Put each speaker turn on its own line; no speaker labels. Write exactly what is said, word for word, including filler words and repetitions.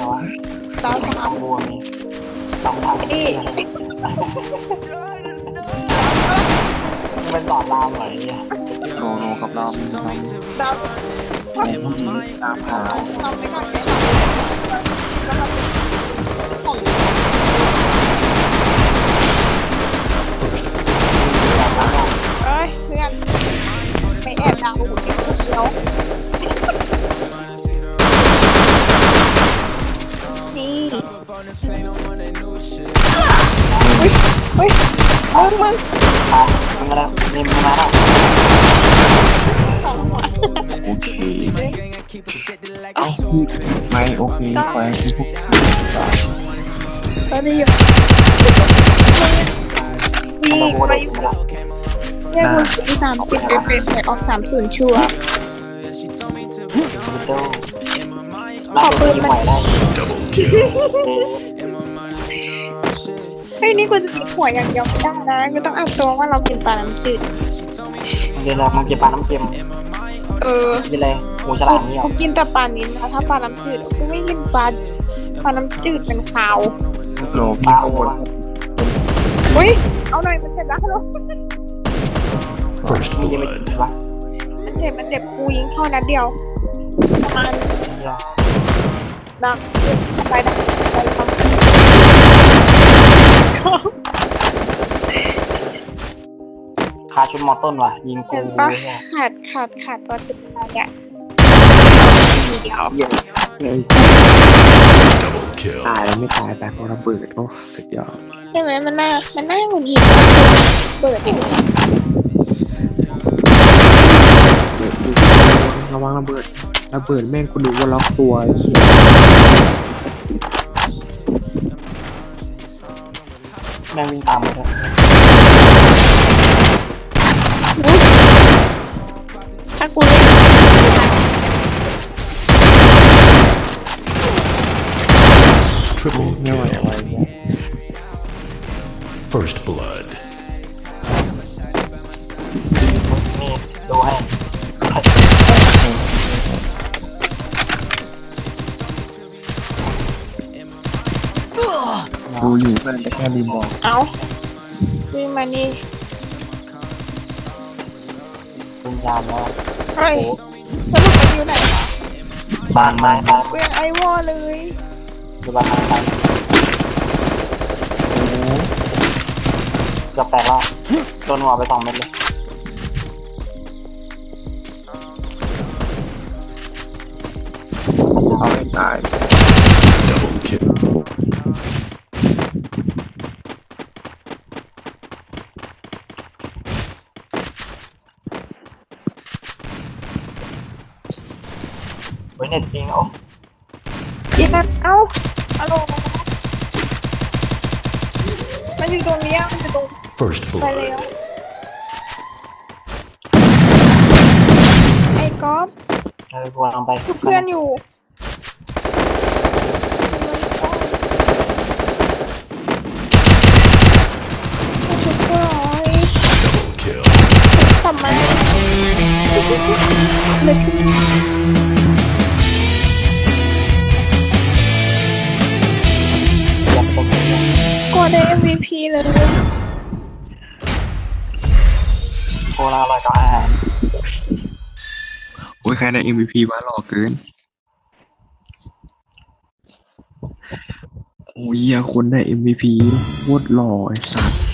วะ
ดาว
ต้
สาม
องวัวมีต้องทำ
นี่
เป็นหลอดลามเหรอเนี่ย
โนโนครับเรา
ดาว
ตามหา
ทำไม่ได้ไม่ได้ของ เอ้ยเพื่อนไม่แอบดาวหูเก็บคนเดียวนี่อุ้ยอุ้ยมึงมึง
มามึงมาแล้วนี่มึงมาแล้ว
ของหัว
โอเคเอ้าไม่โอเคไปที่พวก
ก็ได้อยู่วิ่งไปอยู่เนี่ยมึงที่สามสิบเป๊ะๆไปออกสามศูนย์ชัวร์
เจ้า
ขอปืนมัน
ใหม่ได้
เฮ้ยนี่กูจะติดหัวอย่างเดียวไม่ได้นะกูต้องอัดตัวว่าเรากินปลาน้ำจืด
เดี๋ยวเรามึงกินปลาน้ำเค็ม
เออ
กินอะไรหมูฉลามนี่หรอ
กูกินแต่ปลานิ้นนะถ้าปลาน้ำจืดกูไม่กินปลาปลาน้ำจืดเป็นขาว
โล
ป
พี่
ลา
ข้าง
โอบ
น
วะ
อุ้ยเอาหน่อยมันเจ็บแล้วฮัลโหล
First
มึงจะไป
blood.
กินวะ
มันเจ็บมันเจ็บกูยิงเข้านัดเดียวประมาณ
เดี๋ยว
ดังไปดังไปดัง
คาชุดมอต้นว่ะยิงกู
เห็นปะขาดขาดขาดตัวติดอะไรอ่ะทีเดียว
เยี่ยม
Double kill.
ตายแล้วไม่ตายตายเพราะระเบิดโอ้สุดยอด
ใช่ไหมมันน่ามันน่าหงุดหงิดเปิดอยู่
ระวังระเบิดระเบิดแม่งกูดูว่าล็อกตัวไอ้เหี้ย
แม่งวิ่งตามมาเลย
ถ้ากูเล่น
Triple
ไม่ไหว
kill.
ไว้เนี่ย
First blood.
นี่ดูให้
ดูอยู่เพื่อนแต่แค่ลืมบอก
เอาวิ่งมานี่
วิญญาณแล้ว
เฮ้ยสรุปมันอยู่ไหนวะ
บานไม้บาน
กูยังไอวอเลย
คือบานไม้ไปเกือบแตกแล้วโดนหัวไปสองเม็ดเลย
เอาให้ตาย
Double kill.
เฮ้ยเน็ตจริงโอ้
อีนั่นเอ้าฮัลโหลมันอยู่ตรงนี้มันอยู่ตรง
First
ไปแล้ว
blood.
ไอ้ก๊อฟ
เออกูลองไป
คือเพื่อนอยู่ชุดเพื่อน
Double kill.
ทำไมเลย
ยับตรงนี้
ก็ได้ เอ็ม วี พี เลย
โคลาอร่อยกับอาหาร
โอ้ยใครได้ เอ็ม วี พี วะหล่อเกินโอ้ยเหี้ยคนได้ เอ็ม วี พี โคตรหล่อไอ้สัส